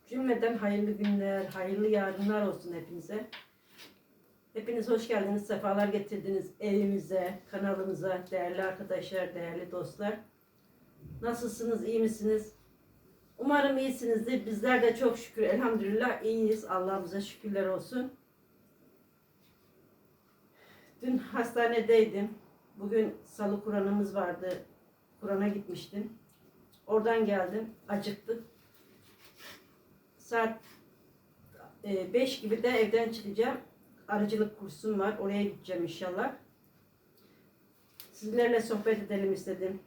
Cümleden hayırlı günler, hayırlı yarınlar olsun hepinize. Hepiniz hoş geldiniz, sefalar getirdiniz evimize, kanalımıza, değerli arkadaşlar, değerli dostlar. Nasılsınız, iyi misiniz? Umarım iyisinizdir. Bizler de çok şükür, elhamdülillah iyiyiz. Allah'ımıza şükürler olsun. Dün hastanedeydim. Bugün salı Kur'an'ımız vardı. Kur'an'a gitmiştim. Oradan geldim, acıktım. Saat 5 gibi de evden çıkacağım. Arıcılık kursum var. Oraya gideceğim inşallah. Sizlerle sohbet edelim istedim.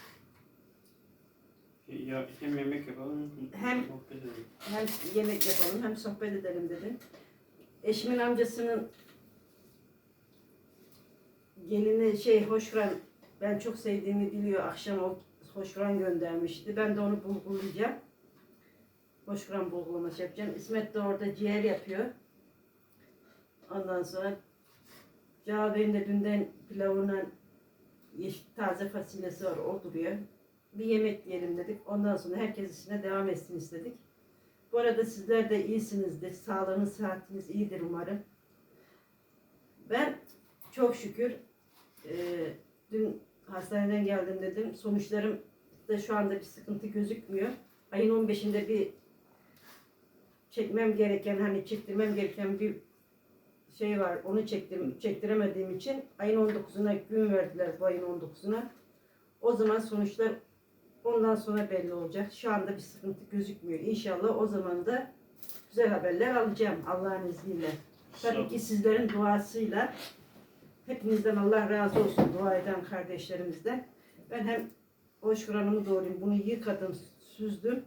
Ya, hem yemek yapalım Hem sohbet edelim. Hem yemek yapalım hem sohbet edelim dedim. Eşimin amcasının gelini hoşgören, ben çok sevdiğimi biliyor. Akşam o hoşgören göndermişti. Ben de onu bulgulayacağım. Hoşgören bulgulaması yapacağım. İsmet de orada ciğer yapıyor. Ondan sonra Cevap Bey'in de dünden pilavına taze fasulyesi var, o duruyor. Bir yemek yiyelim dedik. Ondan sonra herkes işine devam etsin istedik. Bu arada sizler de iyisinizdir. Sağlığınız, sıhhatiniz iyidir umarım. Ben çok şükür dün hastaneden geldim dedim. Sonuçlarım da şu anda bir sıkıntı gözükmüyor. Ayın 15'inde bir çektirmem gereken bir şey var. Onu çektiremediğim için ayın 19'una gün verdiler, bu ayın 19'una. O zaman sonuçlar ondan sonra belli olacak. Şu anda bir sıkıntı gözükmüyor. İnşallah o zaman da güzel haberler alacağım Allah'ın izniyle. Tabii ki sizlerin duasıyla. Hepinizden Allah razı olsun, dua eden kardeşlerimizden. Ben hem hoş Kur'an'ımı doğrayayım. Bunu yıkadım, süzdüm.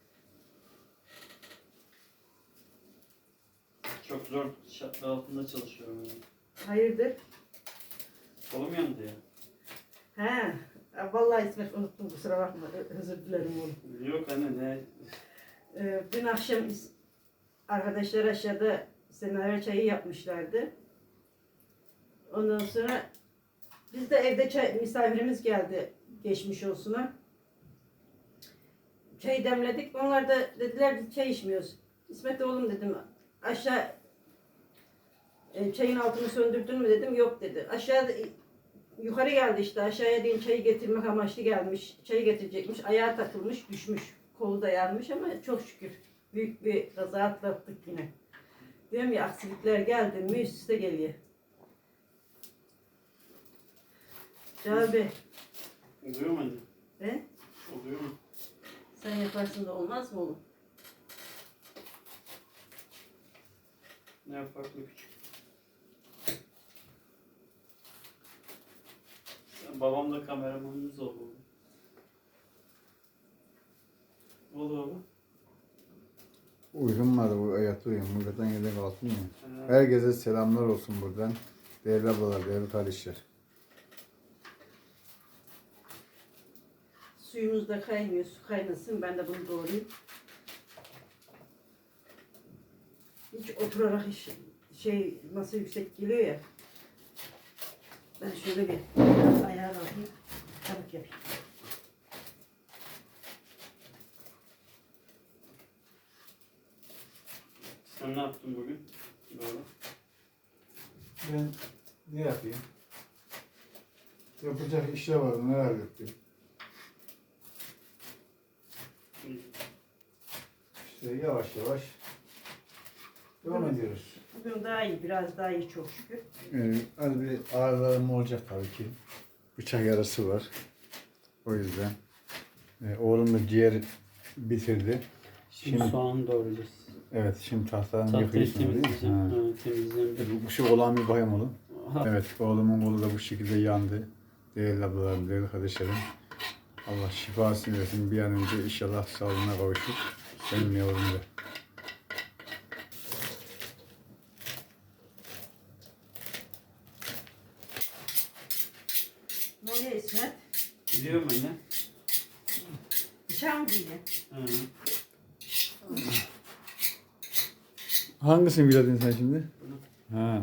Çok zor şartlar altında çalışıyorum yani. Hayırdır? Kolum yandı ya. He. Vallahi İsmet unuttum, kusura bakma. Özür dilerim oğlum. Yok anne ne? Dün akşam arkadaşlar aşağıda semaver çayı yapmışlardı. Ondan sonra biz de evde misafirimiz geldi, geçmiş olsuna. Çay demledik. Onlar da dediler biz çay içmiyoruz. İsmet oğlum dedim, aşağı çayın altını söndürdün mü dedim, yok dedi. Aşağıda yukarı geldi işte, aşağıya deyin çayı getirmek amaçlı gelmiş. Çayı getirecekmiş, ayağa takılmış, düşmüş. Kolu da yanmış ama çok şükür büyük bir kaza atlattık yine. Diyorum ya, aksilikler geldi mi üst üste geliyor. Cevap Bey. Oluyor mu anne? He? Oluyor mu? Sen yaparsın da olmaz mı oğlum? Ne yapar bu küçük? Babam da kameramanımız oldu. Ne oldu baba? Uyumadı, bu yattı uyum. Buradan yedek kalktım ya. Herkese selamlar olsun buradan. Değerli ablalar, değerli kardeşler. Suyumuz da kaynıyor, su kaynasın, ben de bunu doğrayayım. Hiç oturarak masa yüksek geliyor ya. Ben şöyle bir ayağa alayım, çabuk yapayım. Sen ne yaptın bugün? Baba. Ben ne yapayım? Yapacak işler vardı, neler yapayım? İşte yavaş yavaş devam ediyoruz. Bugün daha iyi, biraz daha iyi çok şükür. Az bir ağrılarım olacak tabii ki. Bıçak yarası var. O yüzden. Oğlum da ciğer bitirdi. Şimdi soğan doğrayacağız. Evet, şimdi tahtadan Tahtayı yapıyorsun değil mi? temizleyeceğim. Ha. Evet, temizleyeceğim. Bu şey olan bir bayım oğlum. Evet, oğlumun kolu da bu şekilde yandı. Değerli ablalarım, değerli kardeşlerim. Allah şifasını versin. Bir an önce inşallah sağlığına kavuşur. Benim yavrum da. Ne oluyor İsmet? Biliyorum anne. Bıçağı mı giydin? Hı. Hangisini biledin sen şimdi? Bunu. Ha.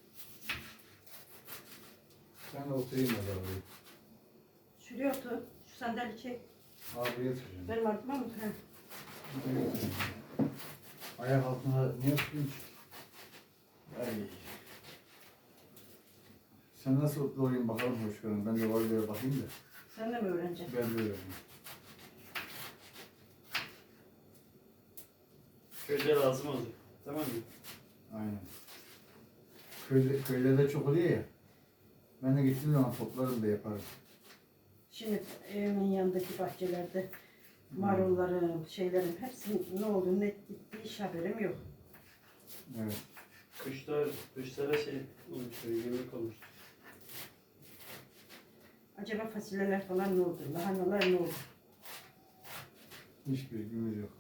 Ben oturayım o zaman. Şuraya otur. sandalye çek. Abi getireceğim. Benim ardıma mı? He. Ayak altına ne yapıyorsun ki? Ay. Sen nasıl doğrayayım bakalım hoşgörüm. Ben de var diye bakayım da. Sen de mi öğreneceksin? Ben de öğreneyim. Köyde lazım olacak. Tamam mı? Aynen. Köylerde çok oluyor ya. Ben de gittiğim zaman toplarım da yaparım. Şimdi evimin yanındaki bahçelerde marulların, şeylerin hepsinin ne olduğunu ne gittiği hiç haberim yok. Evet. Kuşlara şey olmuş, yemek olmuş. Acaba fasulyeler falan ne oldu? Lahanalar ne oldu? Hiçbir bilgimiz yok.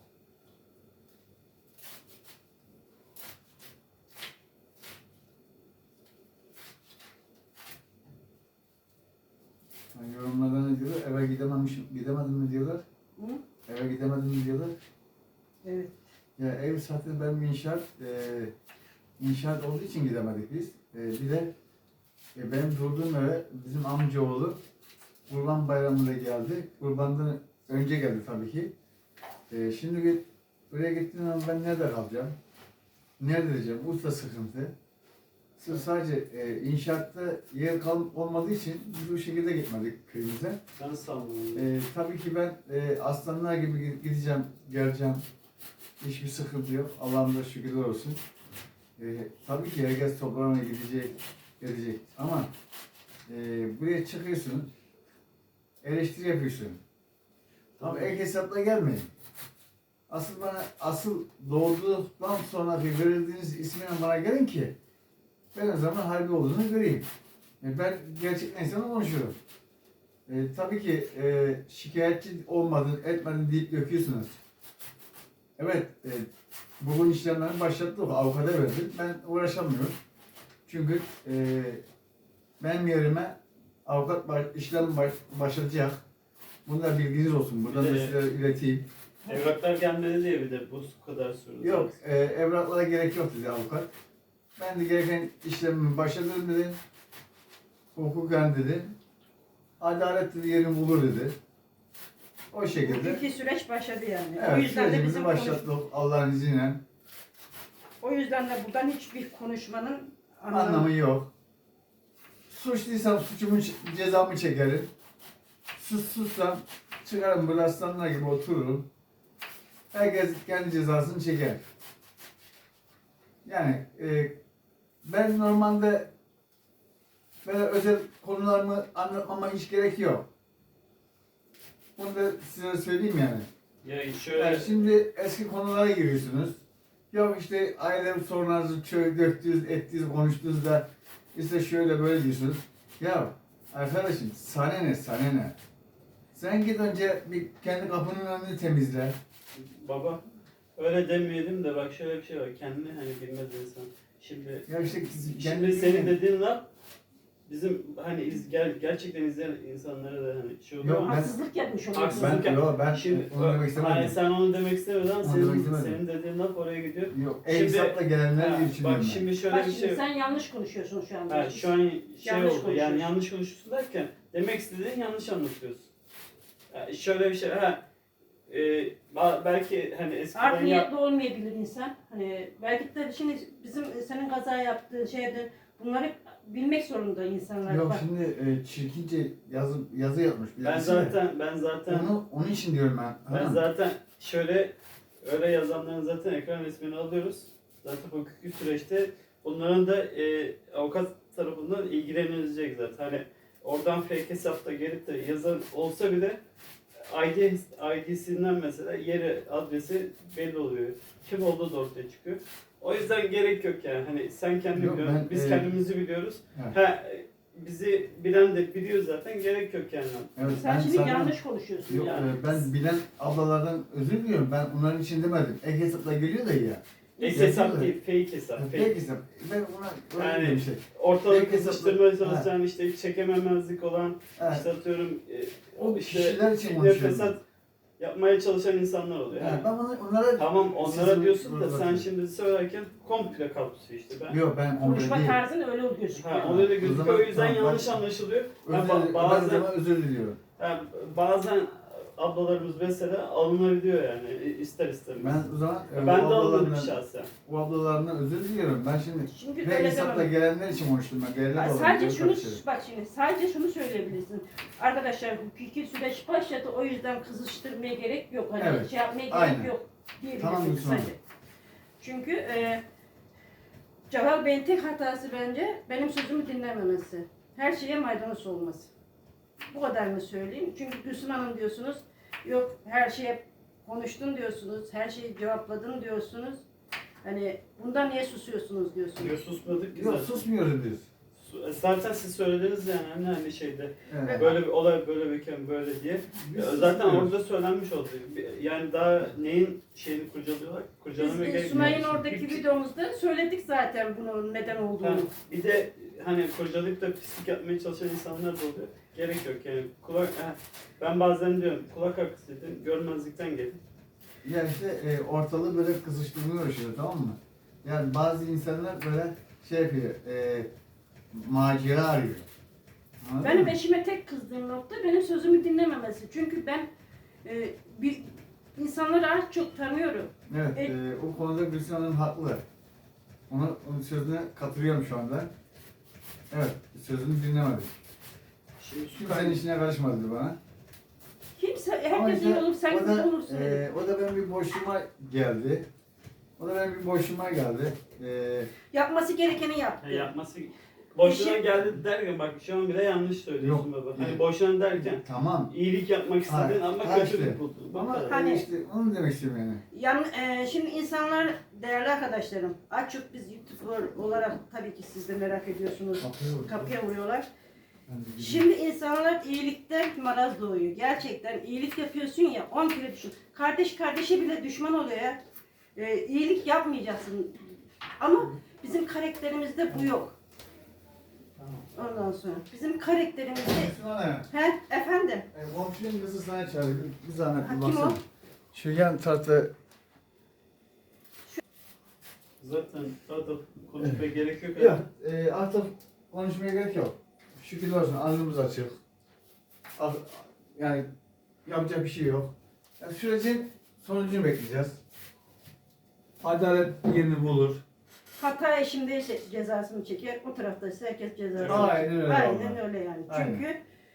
Yani yorumlarda ne diyorlar? Eve gidemedim mi diyorlar. Hı? Eve gidemedim mi diyorlar. Evet. Ya ev zaten ben bir inşaat olduğu için gidemedik biz. Bir de benim durduğum eve bizim amcaoğlu Kurban Bayramı'nda geldi. Kurbandan önce geldi tabii ki. Şimdi oraya gittiğim zaman ben nerede kalacağım? Nerede diyeceğim? Usta sıkıntı. Sırf sadece inşaatta yer olmadığı için biz bu şekilde gitmedik köyümüze. Ben sanmıyorum. Tabii ki ben aslanlar gibi gideceğim, geleceğim. Hiçbir sıkıntı yok. Allah'ım da şükürler olsun. Tabii ki herkes toprağına gelecek. Ama buraya çıkıyorsun, eleştiri yapıyorsun. Tabii ek hesapla gelmeyin. Asıl doğduktan sonra verildiğiniz ismine bana gelin ki ben o zaman harbi olduğunu göreyim. Ben gerçek insanla konuşuyorum. Tabii ki şikayetçi olmadın, etmedin deyip döküyorsunuz. Evet, bugün işlemlerini başlattık, avukata verdim. Ben uğraşamıyorum. Çünkü benim yerime avukat işlem başlatacak. Bunu da bilginiz olsun. Buradan da size ileteyim. Evraklar gelmedi diye bir de bu kadar sürdü. Yok, evraklara gerek yok dedi avukat. Ben de gereken işlemimi başladım dedi. Hukuken dedi. Adalet dedi yerini bulur dedi. O şekilde. Hukuki süreç başladı yani. O Evet, yüzden de sürecimizi bizim başlattık Allah'ın izniyle. O yüzden de buradan hiçbir konuşmanın Anlamı yok. Suçluysam cezamı çekerim. Suçsuzsam çıkarım böyle aslanlar gibi otururum. Herkes kendi cezasını çeker. Yani ben normalde böyle özel konularımı anlatmama hiç gerek yok. Bunu da size söyleyeyim yani. Ya şöyle... Yani şimdi eski konulara giriyorsunuz. Yok işte aile sorunlarınızı ettiniz, konuştunuz da işte şöyle böyle diyorsunuz. Ya arkadaşım sana ne? Sen git önce bir kendi kapının önünü temizle. Baba öyle demeyelim de bak şöyle bir şey var. Kendini hani bilmez insan. Şimdi Ya işte şimdi senin dediğin laf bizim hani gerçekten izleyen insanlara da hani şey oluyor Yok, ama haksızlık yapmış oluyor. Haksızlık. Ben şimdi onu demek istemedim. hani sen onu demek istemedin ama Onu demek istemedim. senin dediğin laf oraya gidiyor. Yok, Şimdi- hesapla gelenler diye Ha, düşünüyorum bak ben. şimdi şöyle Bak bir şimdi şey. sen yanlış konuşuyorsun şu anda. Ha, şu an şey Yanlış oldu konuşuyorsun. yani yanlış konuşuyorsun derken demek istediğin yanlış anlatıyorsun. Şöyle bir şey belki hani Art eskiden niyetli olmayabilir insan. Hani belki de şimdi bizim senin kaza yaptığın şeyde bunları bilmek zorunda insanlar. Yok Bak, şimdi çirkince yazı yapmış. ben birisi de. zaten Onun için diyorum ben. ben Tamam. zaten şöyle öyle yazanların zaten ekran resmini alıyoruz. Zaten hukuki süreçte bunların da avukat tarafından ilgilenilecek zaten. Hani oradan fake hesapta gelip de yazan olsa bile ID'sinden mesela yeri, adresi belli oluyor. Kim olduğu da ortaya çıkıyor. O yüzden gerek yok yani. Hani sen kendini Yok, biliyorsun, ben, biz kendimizi biliyoruz. Evet. Bizi bilen de biliyor zaten. Gerek yok yani. Evet, sen ben şimdi sana- yanlış konuşuyorsun Yok, yani. ben bilen ablalardan özür diliyorum. Ben onların için demedim. Ek hesapla geliyor da ya. Ek hesap değil, fake hesap. Fake Fake. hesap. Ben ona Yani- öyle bir şey. Ortalık Fake hesapla- kızıştırmaya çalışan işte çekememezlik olan Evet. işte atıyorum O işte kişiler için fitne konuşuyorum. fesat yapmaya çalışan insanlar oluyor. Yani Yani. ben onlara Tamam onlara Sizin- diyorsun da sen Bakın. şimdi söylerken komple kapsıyor işte. Yok ben onları Konuşma değil. tarzın öyle gözüküyor. Ha, o öyle O gözüküyor zaman- o yüzden tamam, yanlış bak- anlaşılıyor. Özür, Ha, ben bazen zaman özür diliyorum. Yani bazen ablalarımız mesela alınabiliyor yani ister istemez. Ben o zaman Ben o de alındım ablalarından- şahsen. o ablalarından özür diliyorum. Ben şimdi Şimdi ve öyle hesapla demem. gelenler için konuştum ben. Gelenler Ay, de sadece olabilir, şunu karışırım. bak şimdi sadece şunu söyleyebilirsin. Arkadaşlar hukuki süreç başladı o yüzden kızıştırmaya gerek yok. Hani Evet, şey yapmaya gerek aynen. yok diyebilirsin Tamam, Gülsüm kısaca. Çünkü Celal Bey'in tek hatası bence benim sözümü dinlememesi. Her şeye maydanoz olması. Bu kadarını söyleyeyim. Çünkü Gülsüm Hanım diyorsunuz, yok her şeye konuştun diyorsunuz, her şeyi cevapladın diyorsunuz. Hani bundan niye susuyorsunuz diyorsunuz. Diyor susmadık ki Yok zaten. susmuyoruz biz. Zaten siz söylediniz yani hani şeyde Evet. böyle bir olay böyle bir böyle diye. Biz Zaten susmuyoruz. orada söylenmiş oldu. Yani daha neyin şeyini kurcalıyorlar? Kurcalamaya Biz gerek yok. Sunay'ın oradaki Bir- videomuzda söyledik zaten bunun neden Ha, olduğunu. bir de hani kurcalayıp da pislik yapmaya çalışan insanlar da oluyor. Gerek yok yani. Ben bazen diyorum kulak hakkısıydı, görmezlikten geldi. Yani işte ortalığı böyle kızıştırmıyor işte, tamam mı? Yani bazı insanlar böyle şey yapıyor, macera arıyor. Anladın Benim mı? eşime tek kızdığım nokta benim sözümü dinlememesi. Çünkü ben bir insanları az çok tanıyorum. Evet, o konuda Gülsün Hanım haklı. Onun sözüne katılıyorum şu anda. Evet, sözünü dinlemedik. Şimdi su Kimsenin kaynağı. işine karışmadı bana. Kimse, Ama herkes iyi işte olur, sen o kötü da, olursun. o da benim bir boşluğuma geldi. Yapması gerekeni yaptı. Yapması boşuna İşi- geldi derken bak şu an bile yanlış söylüyorsun Yok, baba. Hani yok. boşuna derken Tamam. iyilik yapmak istedin Hayır, ama ha kötülük işte. buldun. Bu Ama kadar. Hani- işte onu demek istiyorum yani. Şimdi insanlar, değerli arkadaşlarım, az çok biz YouTuber olarak tabii ki siz de merak ediyorsunuz. Kapıya vuruyorlar. Şimdi insanlar iyilikten maraz doğuyor. Gerçekten iyilik yapıyorsun ya 10 kere düşün. Kardeş kardeşe bile düşman oluyor ya. İyilik yapmayacaksın. Ama bizim karakterimizde bu yok. Ondan sonra bizim karakterimizde Gülsün Hanım, efendim komşunun kızı sana çağırıyor. Bir zahmet Ha, bir kim baksana. o? Şu yan tarafta Zaten daha da konuşmaya gerek yok. yok. Artık konuşmaya gerek yok. Şükürler olsun, alnımız açık. Yani yapacak bir şey yok. Yani sürecin sonucunu bekleyeceğiz. Adalet yerini bulur. hata eşimdeyse cezasını çeker. O tarafta ise herkes cezasını Aynen öyle Aynen vallahi. öyle yani. Aynen. Çünkü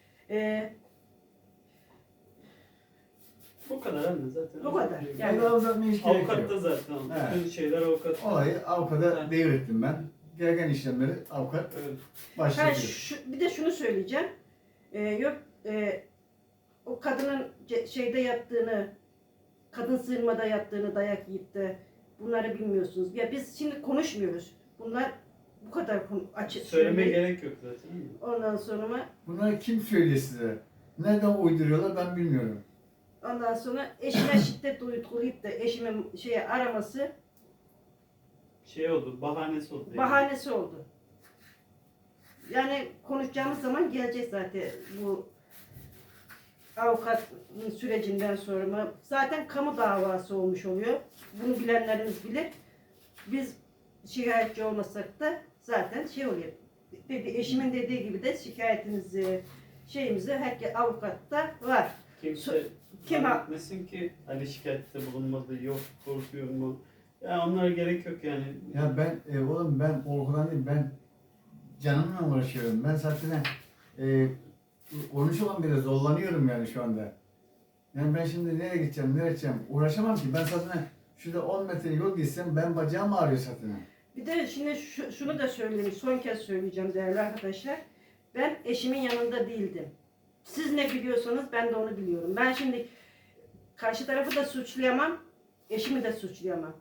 Bu kadar anne zaten. Bu kadar. Yani Yani- daha uzatmaya hiç gerek Avukat da yok. zaten. Evet. Bütün şeyler avukat. Olayı avukata devrettim ben. Gereken işlemleri avukat Evet. başlatıyor. bir de şunu söyleyeceğim. Yok o kadının şeyde yattığını, kadın sığınmada yattığını, dayak yiyip de bunları bilmiyorsunuz. Ya biz şimdi konuşmuyoruz. Bunlar bu kadar açık. Söylemeye gerek yok zaten. değil mi? Ondan sonra Bunları kim söylüyor size? Nereden uyduruyorlar ben bilmiyorum. eşime şiddet uygulayıp da eşimin araması Şey oldu, bahanesi oldu. yani. bahanesi oldu. Yani konuşacağımız zaman gelecek zaten bu avukat sürecinden sonra. Zaten kamu davası olmuş oluyor. Bunu bilenleriniz bilir. Biz şikayetçi olmasak da zaten oluyor. Eşimin dediği gibi de şikayetimizi, herkes avukatta var. Kimse Kim zannetmesin ki hani şikayette bulunmadı, yok korkuyor mu? Ya onlara gerek yok yani. Ya ben oğlum ben korkudan değil, ben canımla uğraşıyorum. Ben zaten konuşamam bile, zorlanıyorum yani şu anda. Yani ben şimdi nereye gideceğim, nereye gideceğim uğraşamam ki. Ben zaten şurada 10 metre yol gitsem ben bacağım ağrıyor zaten. Bir de şimdi şunu da söyleyeyim, son kez söyleyeceğim değerli arkadaşlar. Ben eşimin yanında değildim. Siz ne biliyorsanız ben de onu biliyorum. Ben şimdi karşı tarafı da suçlayamam, eşimi de suçlayamam.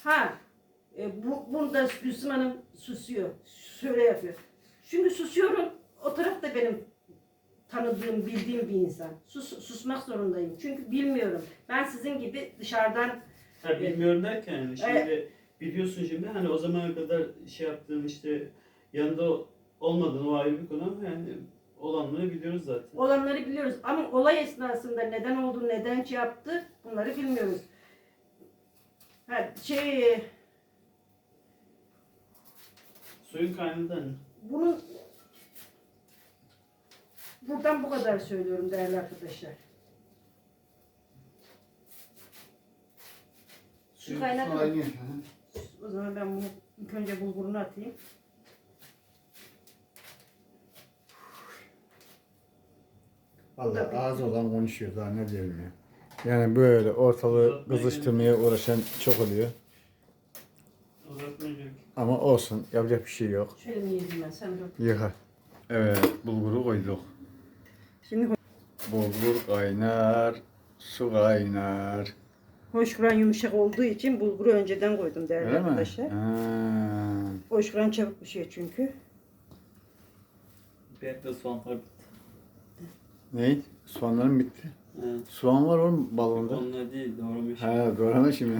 Bunda Gülsüm Hanım susuyor, şöyle yapıyor. Çünkü susuyorum, o taraf da benim tanıdığım, bildiğim bir insan. Susmak zorundayım. Çünkü bilmiyorum. Ben sizin gibi dışarıdan Ha, bilmiyorum derken yani şimdi biliyorsun şimdi hani o zamana kadar şey yaptığın işte yanında olmadığın o ayrı bir konu ama yani olanları biliyoruz zaten. olanları biliyoruz. Ama olay esnasında neden oldu, neden yaptı bunları bilmiyoruz. Suyun kaynadı hani. Buradan bu kadar söylüyorum değerli arkadaşlar. Su kaynadı mı? Aynı. O zaman ben bunu ilk önce bulgurunu atayım. Vallahi ağzı olan konuşuyor daha ne diyelim ya. Yani böyle ortalığı kızıştırmaya uğraşan çok oluyor. Uzatmayacak. Ama olsun yapacak bir şey yok. Şöyle mi yedim ben sen dur. Yıka. Evet bulguru koyduk. Şimdi Bulgur kaynar, su kaynar. hoşgören yumuşak olduğu için bulguru önceden koydum değerli Öyle mi? arkadaşlar. Ha. Hoşgören çabuk pişiyor çünkü. Benim de soğanlar bitti. Ne? Soğanların bitti. Evet. Soğan var oğlum balonda. Onlar değil, doğramış. Ha doğrama şimdi.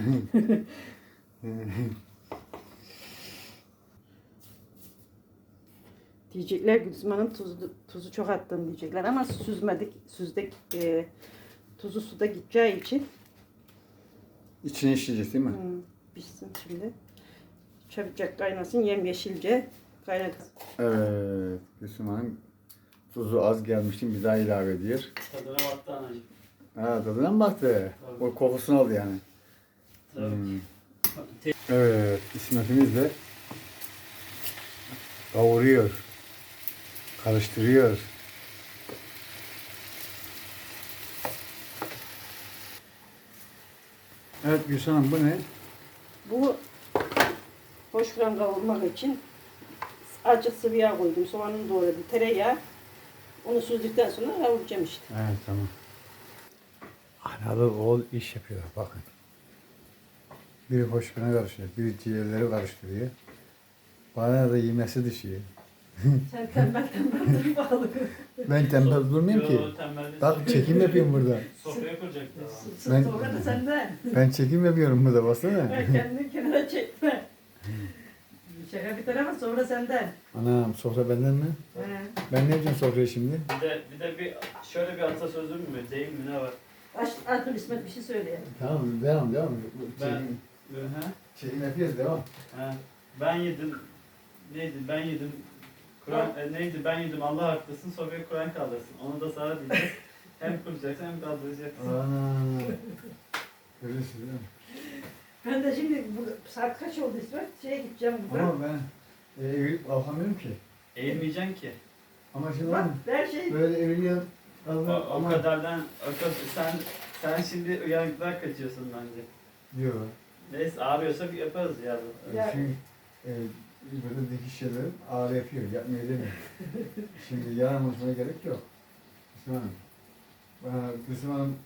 Diyecekler Gülsüm Hanım tuzu çok attın diyecekler ama süzdük. Tuzu suda gideceği için İçine işleyecek değil mi? pişsin şimdi. Çabucak kaynasın yemyeşilce kaynatın. Evet. Gülsüm Hanım tuzu az gelmişti bir daha ilave ediyor. Tadına baktı anacığım. Ha tadına mı baktı? Tabii. O kokusunu aldı yani. Tabii. Hmm. Evet, İsmet'imiz de kavuruyor, karıştırıyor. Evet Gülşen Hanım bu ne? Bu hoşgören kavurmak için azıcık sıvı yağ koydum. Soğanını doğradım. Tereyağı. Onu süzdükten sonra kavuracağım işte. Evet tamam. Analı oğul iş yapıyor bakın. Biri hoşgörüne karışıyor, biri ciğerleri karıştırıyor. Bana da yemesi düşüyor. Sen tembel dur bakalım. Ben tembel durmayayım ki. Yo, tembellik. Bak çekim yapıyorum burada. Sofraya kuracak da. Ben- Sonra da senden. Ben çekim yapıyorum burada baksana. Ben kendini kenara çekme. Şaka bir tarafa sonra senden. Anam sofra benden mi? He. Ben ne yapacağım sofraya şimdi? Bir de şöyle bir atasözü mü deyim mi ne var? Dur İsmet bir şey söyle. Tamam devam. Ben- Çekim, Hı. çekim yapıyoruz devam. Ha. Ben yedim. Neydi? Ben yedim. Kur'an neydi? Ben yedim. Allah haklısın. Sofraya Kur'an kaldırsın. Onu da sana diyeceğiz. Hem kuracaksın hem kaldıracaksın. Ana. Görüyorsun değil mi? Ben de şimdi saat kaç oldu İsmet? Şeye gideceğim buradan. Ama ben eğilip kalkamıyorum ki. Eğilmeyeceksin ki. Ama şimdi Bak oğlum her şey böyle eğiliyorum. O kadardan sen şimdi uyanıklığa kaçıyorsun bence. Yok. Neyse ağrıyorsa bir yaparız ya. Ya- Çünkü böyle dikiş şeylerim ağrı yapıyor. Yapmaya demiyor. Şimdi yalan konuşmaya gerek yok. Gülsüm Hanım. Gülsüm Hanım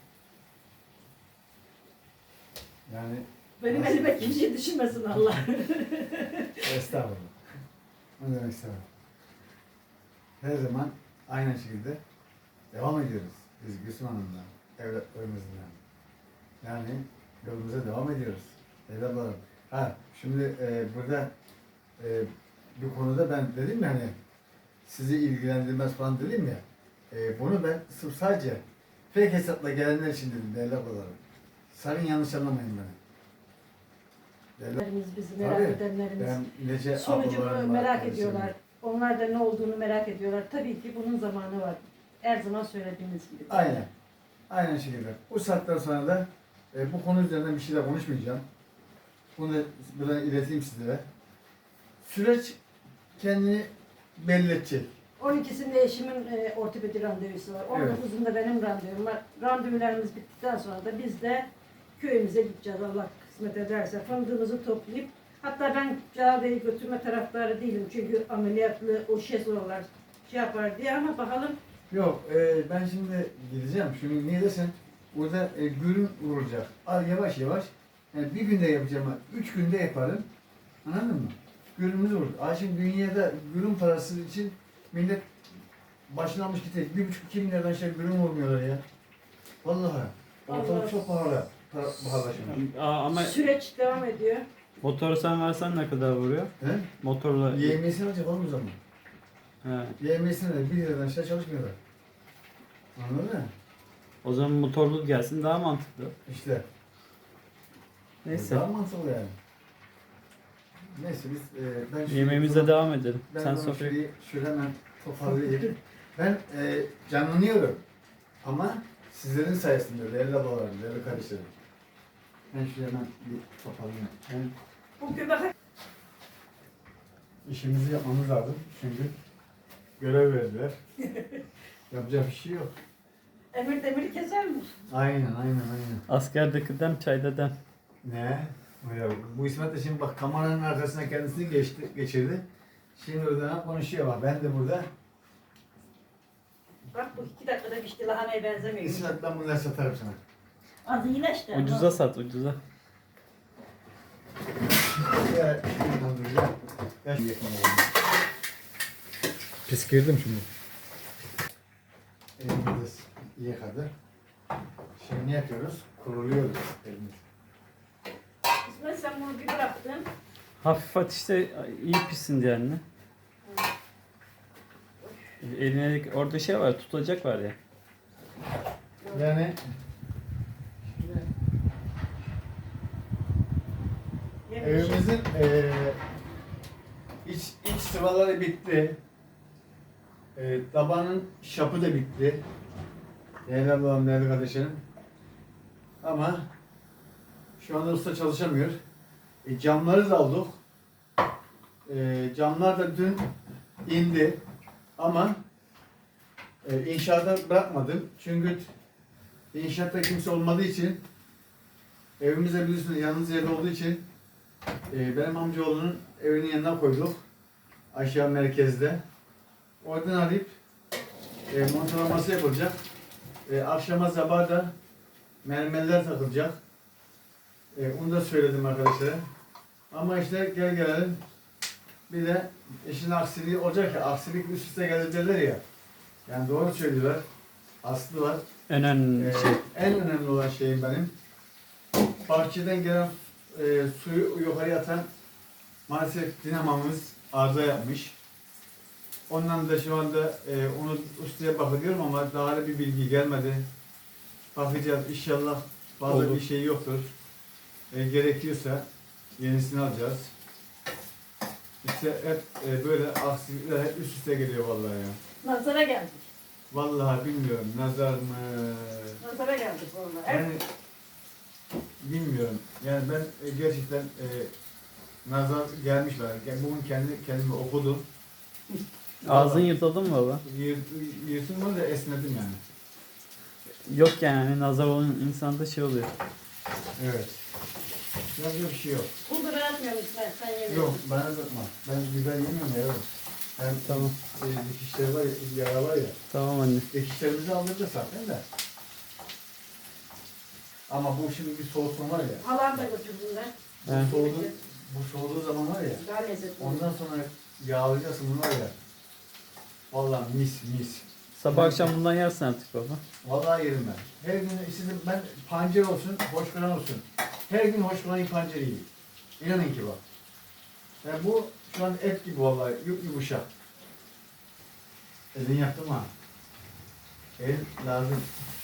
yani benim elime kimse düşünmesin Allah. estağfurullah. Ne demek estağfurullah. Her zaman aynı şekilde devam ediyoruz. Biz Gülsüm Hanım'la, evlatlarımızla. Yani yolumuza devam ediyoruz. Evlatlarım. Ha, şimdi burada bir konuda ben dedim ya hani sizi ilgilendirmez falan dedim ya. Bunu ben sırf sadece fake hesapla gelenler için dedim değerli ablalarım. Sakın yanlış anlamayın beni. Değerli- Bizi merak Tabii, edenlerimiz. Ben nece Sonucunu ablalarım var, merak kardeşlerim. ediyorlar. Onlar da ne olduğunu merak ediyorlar. Tabii ki bunun zamanı var. Her zaman söylediğimiz gibi. Aynen. Aynen şekilde. Bu saatten sonra da bu konu üzerinden bir şeyler konuşmayacağım. Bunu da buradan ileteyim sizlere. Süreç kendini belli edecek. 12'sinde eşimin ortopedi randevusu var. 19'unda benim randevum var. Randevularımız bittikten sonra da biz de köyümüze gideceğiz Allah kısmet ederse. Fındığımızı toplayıp hatta ben Cavide'yi götürme taraftarı değilim. Çünkü ameliyatlı o şezlonglar şey yapar diye ama bakalım. Yok, ben şimdi gideceğim. Şimdi niye desen, burada gürüm vurulacak. Al yavaş yavaş. Yani bir günde yapacağım, 3 günde yaparım. Anladın mı? Gürümümüz vurur. Şimdi dünyada gürüm parası için millet başına almış gidiyor. 1,5-2 milyardan şey gürüm vurmuyorlar ya. Vallahi. Ortalık Allah. çok pahalı. Pahalı şimdi. Ama Süreç devam ediyor. motoru sen versen ne kadar vuruyor? He? Motorla... YMS'ini alacak oğlum o zaman. He. YMS'ine de 1 liradan aşağı çalışmıyorlar. Anladın mı? O zaman motorlu gelsin daha mantıklı. İşte. Neyse. Daha mantıklı yani. Neyse biz ben şu- Yemeğimize devam edelim. Ben Sen bunu sofraya... şöyle hemen toparlayayım. Ben canlanıyorum. Ama sizlerin sayesinde değerli ablalarım, değerli kardeşlerim. Ben şuraya hemen bir toparlayayım. Ben Bu göbek işimizi yapmamız lazım. Çünkü görev verdiler. Yapacak bir şey yok. emir demiri kesermiş. Aynen. Askerdeki dem çayda dem. Ne? Ya, bu İsmet de şimdi bak kameranın arkasına kendisini geçirdi. Şimdi oradan konuşuyor bak. Ben de burada. Bak bu 2 dakikada pişti lahanaya benzemiyor. İsmet ben bunları satarım sana. Adı yine işte. Ucuza sat ucuza. Ya şuradan duracağım. Ya şu yakına geldim. Pis girdim şimdi. Elimiz yıkadı. Şimdi ne yapıyoruz? Kuruluyoruz elimiz. İsmet sen bunu bir bıraktın. Hafif ateşte iyi pişsin diye anne. Eline orada şey var, tutacak var ya. Yani evimizin iç sıvaları bitti. Tabanın şapı da bitti. Değerli ablam, değerli kardeşlerim. Ama şu anda usta çalışamıyor. Camları da aldık. Camlar da dün indi. Ama inşaata bırakmadım. Çünkü inşaatta kimse olmadığı için evimizde biliyorsunuz yalnız yerde olduğu için benim amcaoğlunun evinin yanına koyduk. Aşağı merkezde. Oradan arayıp montalaması yapılacak. Akşama sabah da mermerler takılacak. Onu da söyledim arkadaşlara. Ama işte gel gelelim. Bir de işin aksiliği olacak ya, aksilik üst üste gelir derler ya. Yani doğru söylüyorlar. Aslı var. En önemli şey. En önemli olan şeyim benim. Bahçeden gelen suyu yukarı atan maalesef dinamamız arıza yapmış. Ondan da şu anda onu ustaya bakıyorum ama daha bir bilgi gelmedi. Bakacağız inşallah fazla Olur. bir şey yoktur. Gerekiyorsa yenisini alacağız. İşte hep böyle aksilikler hep üst üste geliyor vallahi ya. Nazara geldik. Vallahi bilmiyorum nazar mı? Nazara geldik vallahi. Yani bilmiyorum. Yani ben gerçekten nazar gelmiş var. Bugün kendimi okudum. Ağzın yırtıldı mı baba? Yırtılmadı da esnedim yani. Yok yani hani nazar olan insanda şey oluyor. Evet. Yapacak bir şey yok. Bulgur atmıyorum İsmet sen yemiyorsun. Yok bana bakma. Ben biber yemiyorum ya yavrum. Hem Tamam. dikişleri var ya, yara var ya. Tamam anne. Dikişlerimizi aldıracağız zaten de. Ama bu şimdi bir soğutma var ya. Halam da götürdüler. He. Bu soğuduğu zaman var ya. Daha lezzetli. Ondan sonra yağlayacaksın bunu var ya. Vallahi mis. Sabah akşam bundan yersin artık baba. Vallahi yerim ben. Her gün sizin ben pancar olsun, hoşgören olsun. Her gün hoşgören pancar yiyeyim. İnanın ki bak. Yani bu şu an et gibi vallahi yumuşak. Elin yaptım ha. El lazım.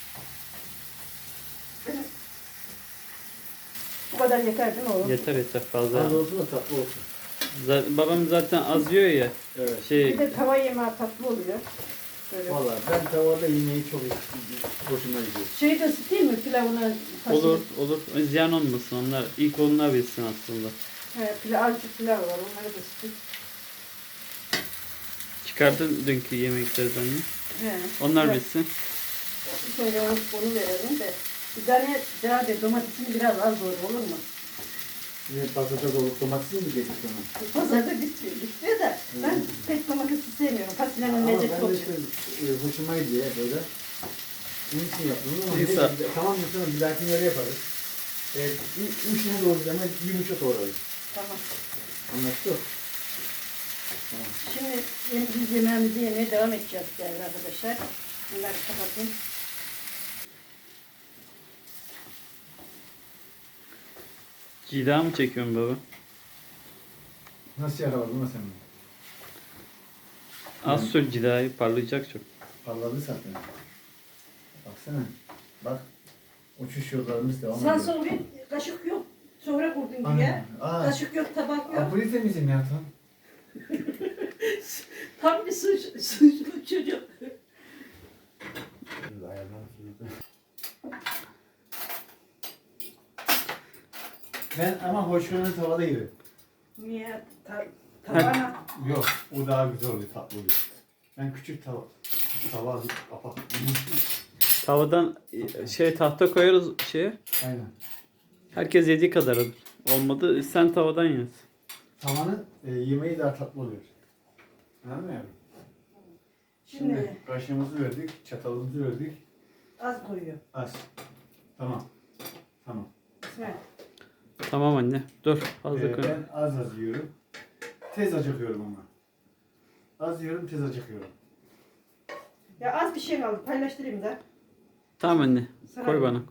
Bu kadar yeter değil mi oğlum? Yeter fazla. Az olsun da tatlı olsun. Babam zaten az yiyor ya. Evet. Bir Şey de tava yemeği tatlı oluyor. Böyle. Vallahi ben tavada yemeği çok hoşuma gidiyor. Şeyi de ısıtayım mı pilavına? olur. Ziyan olmasın onlar. İlk onlar bilsin aslında. Azıcık pilav var onları da ısıtayım. Çıkardın dünkü yemeklerden mi? He. Onlar Evet. bilsin. Sonra onu verelim de. Bir tane daha de domatesini biraz az doğru olur mu? Yine patates olup domates mi getirdik ona? Pazarda bitiyor da ben pek domatesi sevmiyorum. Fasulyenin Ama lezzeti ben de oluyor. işte hoşuma gidiyor böyle. Bunun için yaptım ama Neyse. tamam mı? Bir dahakine öyle yaparız. Üçüne doğru ama yumuşak doğrayız. Tamam. Anlaştık. Şimdi biz yemeğimizi yemeye devam edeceğiz değerli arkadaşlar. Bunları kapatayım. Cida mı çekiyorsun baba? Nasıl yakaladın lan sen bunu? Az sür cidayı parlayacak çok. Parladı zaten. Baksana. Bak. Uçuş yollarımız devam Sağ ediyor. sol bir kaşık yok. Sonra kurdun Aynen. diye. Aa. Kaşık yok, tabak yok. Apoli temizim ya tam. Tam bir suçlu çocuk. Ben ama hoşgörünü tavada yerim. Niye? Tavana. Yok, o daha güzel oluyor, tatlı oluyor. Ben küçük tava kapak. Tavadan tahta koyarız şeye. Aynen. Herkes yediği kadar alır. Olmadı sen tavadan yaz. Tavanın yemeği daha tatlı oluyor. Anladın mı yavrum? Şimdi kaşığımızı verdik, çatalımızı verdik. az koyuyor. Az. Tamam. Tamam. İsmet. Tamam anne. Dur fazla koy. Ben az yiyorum. Tez acıkıyorum ama. Az yiyorum, tez acıkıyorum. Ya az bir şey kaldı. Paylaştırayım da. Tamam anne. Sana Koy koy. bana.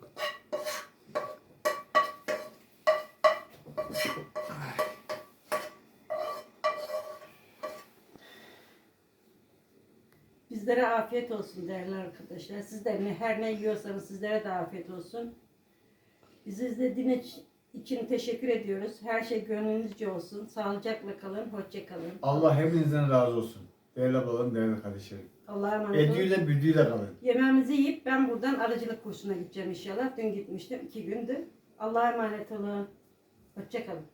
Bizlere afiyet olsun değerli arkadaşlar. Siz de her ne yiyorsanız sizlere de afiyet olsun. Bizi izlediğiniz için teşekkür ediyoruz. Her şey gönlünüzce olsun. Sağlıcakla kalın. Hoşça kalın. Allah hepinizden razı olsun. Değerli ablalarım, değerli kardeşlerim. Allah'a emanet olun. Ediyle büdüyle kalın. Yemeğimizi yiyip ben buradan arıcılık kursuna gideceğim inşallah. Dün gitmiştim. 2 gündü. Allah'a emanet olun. Hoşça kalın.